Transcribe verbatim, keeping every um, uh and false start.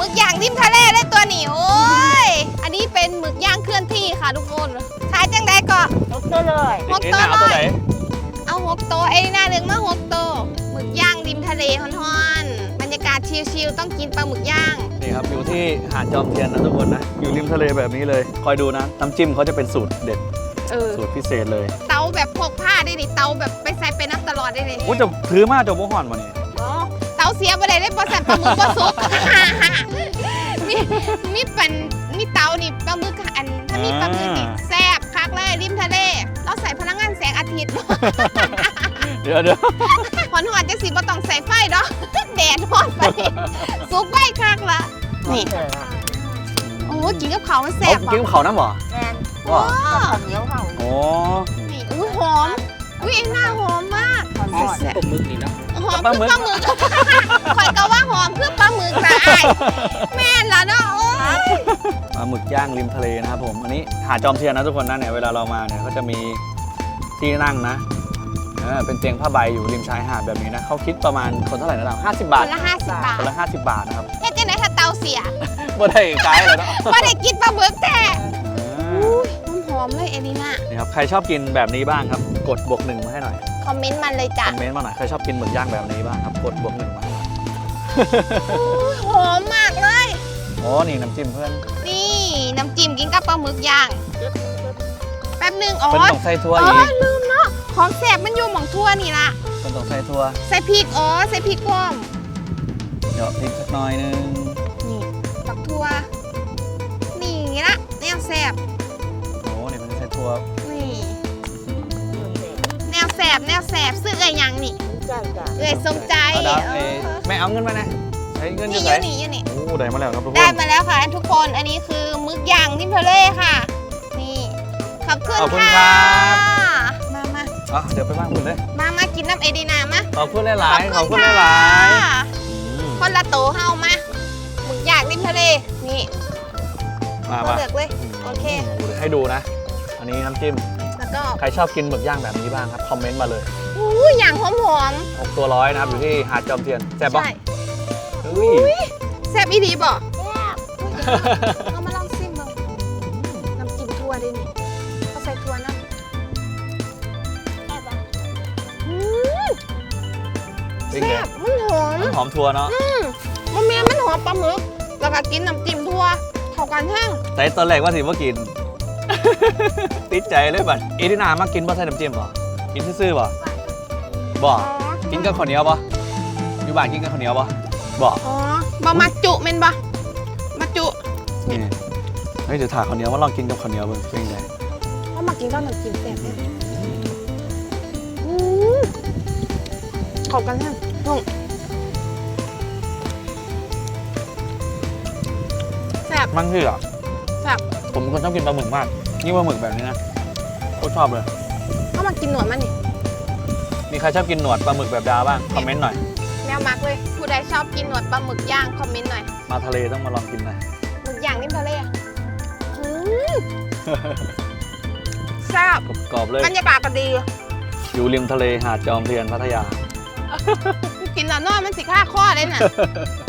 มึกย่างริมทะเลเลยตัวนี้โอ้ยอันนี้เป็นหมึกย่างเคลื่อนที่ค่ะทุกคนขายจังไดก่อนหกตัวเลยหกตัวเลยเอาหกตัวเอ้หน้าหนึ่งมาหกตัวหมึกย่างริมทะเลฮ้อนๆบรรยากาศชิลๆต้องกินปลาหมึกย่างนี่ครับอยู่ที่หาดจอมเทียนนะทุกคนนะอยู่ริมทะเลแบบนี้เลยคอยดูนะน้ำจิ้มเขาจะเป็นสูตรเด็ดสูตรพิเศษเลยเตาแบบพกผ้าได้ดิเตาแบบไปใส่ไปน้ำตลอดได้เลยโอ้จะถือมาจะโมห่อนวันนี้เตาเสียไปเลยได้ปลาแซ่บปลาหมึกปลาซุกมีมีเป็นมีเตานี่ปลาหมึกอันถ้ามีปลาหมึกนี่แซ่บคักเลยริมทะเลเราใส่พลังงานแสงอาทิตย์เดี๋ยวเดี๋ยวหอนหอนจะสีบ่ต้องใส่ไฟเนาะแดดหอนไปซุกไฟคักละนี่โอ้กินกับเขามันแซ่บกินกับเขาน้ำหรอแมนว้าวเหนียวเขาโอ้นี่อุ้ยหอมอุ้ยเอ็นหน้าหอมมากแซ่บปลาหมึกนี่นะหอมคือปลาหมึกคอยก็ว่าหอมคือปลาหมึกตายแม่นละเนาะโอ้ยปลาหมึกย่างริมทะเลนะครับผมอันนี้หาดจอมเทียนนะทุกคนนะเนี่ยเวลาเรามาเนี่ยเขาจะมีที่นั่งนะเป็นเตียงผ้าใบอยู่ริมชายหาดแบบนี้นะเขาคิดประมาณคนเท่าไหร่นะเราห้าสิบบาทคนละห้าสิบบาทคนละห้าสิบบาทนะครับแค่เจ๊ไหนถ้าเตาเสียบ่ได้ไกลเลยเนาะบ่ได้กินปลาหมึกแต่หอมเลยเอลิน่านี่ครับใครชอบกินแบบนี้บ้างครับกดบวกหนึ่งมาให้หน่อยคอมเมนต์มันเลยจ้ะคอมเมนต์มาหน่อยใครชอบกินหมึกย่างแบบนี้บ้างครับกดบวกหนึ่งมาให้หน่อยหอมมากเลยโอ้นี่น้ำจิ้มเพื่อนนี่น้ำจิ้มกินกับปลาหมึกย่างแป๊บนึงอ๋อเป็นต้องใส่ทั่วอีกลืมเนาะของแสบมันอยู่หม่องทั่วนี่ละเป็นต้องใส่ทั่วใส่พริกอ๋อใส่พริกพร้อมเดี๋ยวพริกสักหน่อยนึงนี่ปักทั่วนี่ละแนวแสบโอ้นี่เป็นใส่ทั่วนี่แนวแสบแนวแสบซื้อเอ้ยยังนี่เอ้ยสมใจไม่เอาเงินมานะใช้เงินนี่เยอะนี่นี่โอ้ได้มาแล้วครับทุกคนได้มาแล้วค่ะทุกคนอันนี้คือมึกย่างริมทะเลค่ะนี่ขอบคุณค่ะมามาอ่ะเดี๋ยวไปบ้านคุณเลยมามากินน้ำเอดีนามาขอบคุณหลายๆขอบคุณหลายๆคนละโตเฮามามึกย่างริมทะเลนี่มามาเลือกเลยโอเคให้ดูนะอันนี้น้ำจิ้มแล้วก็ใครชอบกินหมึกย่างแบบนี้บ้างครับคอมเมนต์มาเลยอู้ย่างหอมๆหกตัวร้อยนะครับอยู่ที่หาดจอมเทียนแซ่บปะอุ้ยแซ่บอีดีบ่เอามาลองซิมดูน้ำจิ้มทั่วดินี่เขาใส่ทั่วนะแซ่บมันหอมมันหอมทั่วเนาะมันเมียมันหอมปลาหมึกแล้วก็กินน้ำจิ้มทั่วเข้ากันแห้งแต่ตอนแรกว่าสิว่ากินติดใจเลยบัดเอดินามากินบ่ใส่น้ำจิ้มบ่กินซื่อๆบ่บ่กินกับข้าวเหนียวบ่อยู่บ้านกินกับข้าวเหนียวบ่บ่อ๋อบ่มาจุเม่นบ่มาจุนี่เฮ้ยเดี๋ยวถ่ายข้าวเหนียวมาลองกินกับข้าวเหนียวเบิ่งเป็นไงว่ามากินกับน้ำจิ้มแซ่บเข้ากันแห้งแซ่บมันคืออ่ะแซ่บผมเป็นคนชอบกินปลาหมึกมากนี่ปลาหมึกแบบนี้นะโคตรชอบเลยเข้ามากินหนวดมันนี่มีใครชอบกินหนวดปลาหมึกแบบดาบ้างคอมเมนต์หน่อยแมวมักเลยผู้ใดชอบกินหนวดปลาหมึกย่างคอมเมนต์หน่อยมาทะเลต้องมาลองกินหน่อยหมึกย่างริมทะเลแซ่บกรอบเลยบรรยากาศก็ดีอยู่ริมทะเลหาดจอมเทียนพัทยากินแล้วนอนมันสิค่าข้อเลยน่ะ